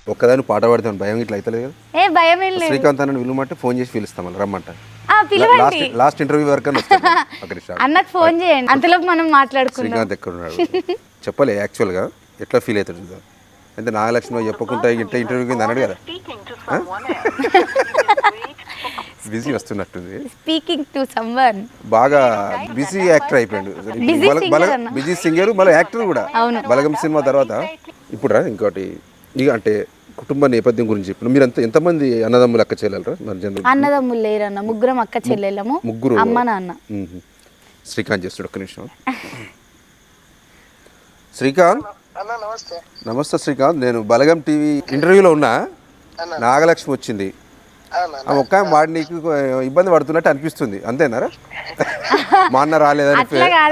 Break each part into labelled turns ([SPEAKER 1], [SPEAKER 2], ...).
[SPEAKER 1] ఒక్కదాని పాట పాడతాను భయం ఇట్లా అవుతలేదు కదా.
[SPEAKER 2] ఏ భయం ఏం లేదు.
[SPEAKER 1] శ్రీకాంత్ అన్న విలుమంటే ఫోన్ చేసి పిలుస్తాం మళ్ళీ రమ్మంట.
[SPEAKER 2] పిలవండి.
[SPEAKER 1] లాస్ట్ ఇంటర్వ్యూ వరకు
[SPEAKER 2] అన్నకు ఫోన్ చేయండి, అంతలోపు మనం మాట్లాడుకుందాం.
[SPEAKER 1] శ్రీకాంత్ ఎక్కడ ఉన్నాడు చెప్పలే యాక్చువల్గా ఎట్లా ఫీల్ అవుతాడు అంటే నాగలక్ష్మి చెప్పకుండా ఇంట ఇంటర్వ్యూ కింద అన్నాడు కదా. బిజీ వస్తున్నట్టుంది.
[SPEAKER 2] Speaking to someone.
[SPEAKER 1] బాగా బిజీ యాక్టర్ అయిపోయాడు. బిజీ సింగర్ మళ్ళీ యాక్టర్ కూడా. బలగం సినిమా తర్వాత ఇప్పుడు ఇంకోటి ఇక అంటే కుటుంబ నేపథ్యం గురించి చెప్పిన మీరు ఎంతమంది అన్నదమ్ములు అక్క చెల్లెలరా?
[SPEAKER 2] అన్నదమ్ములు లేరన్న, ముగ్గురం అక్క చెల్లెళ్ళము,
[SPEAKER 1] ముగ్గురు
[SPEAKER 2] అమ్మ నాన్న.
[SPEAKER 1] శ్రీకాంత్ చేస్తాడు ఒక్క నిమిషం. శ్రీకాంత్ నమస్తే శ్రీకాంత్, నేను బలగం టీవీ ఇంటర్వ్యూలో ఉన్నా. నాగలక్ష్మి వచ్చింది, ఒక్క వాడి నీకు ఇబ్బంది పడుతున్నట్టు అనిపిస్తుంది అంతేనారా? మా అన్న రాలేదని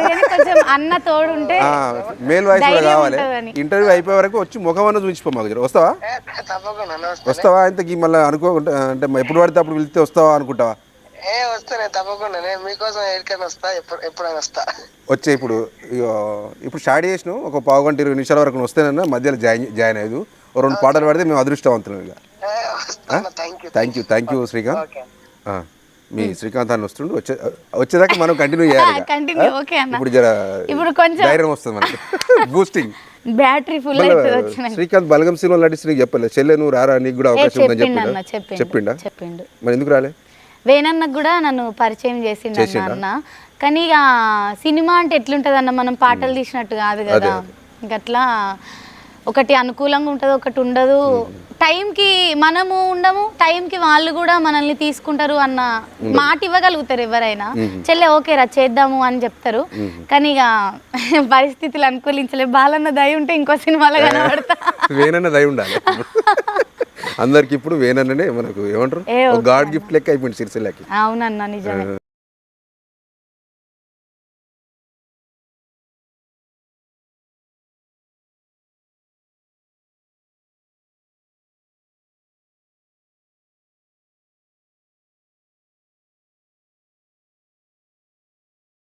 [SPEAKER 1] మేల్ వాయిస్ కూడా కావాలి. ఇంటర్వ్యూ అయిపోయే వరకు వచ్చి ముఖం అన్న చూపించిపో మాకు. వస్తావా ఇంతకీ మళ్ళీ అనుకోకుండా అంటే ఎప్పుడు పడితే అప్పుడు వెళ్తే వస్తావా అనుకుంటావా? వచ్చే ఇప్పుడు స్టార్ట్ చేసిన ఒక పావు గంట 20 నిమిషాల వరకు వస్తేనన్నా మధ్యలో జాయిన్ అయ్యేది. 2 పాటలు పాడితే మేము అదృష్టవంతులం. ఇక థ్యాంక్ యూ శ్రీకాంత్. మీ శ్రీకాంత్ అని వస్తుండు, వచ్చేదాకా మనం కంటిన్యూ చేయాలి. ఇప్పుడు కొంచెం ధైర్యం వస్తుంది మనకి, బూస్టింగ్ బ్యాటరీ ఫుల్ అవుతుంది. శ్రీకాంత్ బలగం సినిమా నటిస్తే నీకు చెప్పలేదు చెల్లె నువ్వు రారా నీకు కూడా అవకాశం ఉందని చెప్పిండు. మరి ఎందుకు రాలే?
[SPEAKER 2] వేణన్నకు కూడా నన్ను పరిచయం చేసిండు అన్న. కానీ ఇక సినిమా అంటే ఎట్లుంటది అన్న, మనం పాటలు తీసినట్టు కాదు కదా. ఇంకట్లా ఒకటి అనుకూలంగా ఉంటుంది, ఒకటి ఉండదు. టైంకి మనము ఉండము, టైంకి వాళ్ళు కూడా మనల్ని తీసుకుంటారు అన్న మాట ఇవ్వగలుగుతారు ఎవరైనా. చెల్లె ఓకే రా చేద్దాము అని చెప్తారు. కానీ ఇక పరిస్థితులు అనుకూలించలేదు. బాలన్న దయ ఉంటే ఇంకో సినిమాలో కనబడతా.
[SPEAKER 1] వేణన్న దయ ఉండాలి అందరికి. ఇప్పుడు వేణన్ననే మనకు ఏమంటారు గాడ్ గిఫ్ట్ లెక్క అయిపోయింది సిరిసిల్లకి.
[SPEAKER 2] అవునన్నా నిజమే.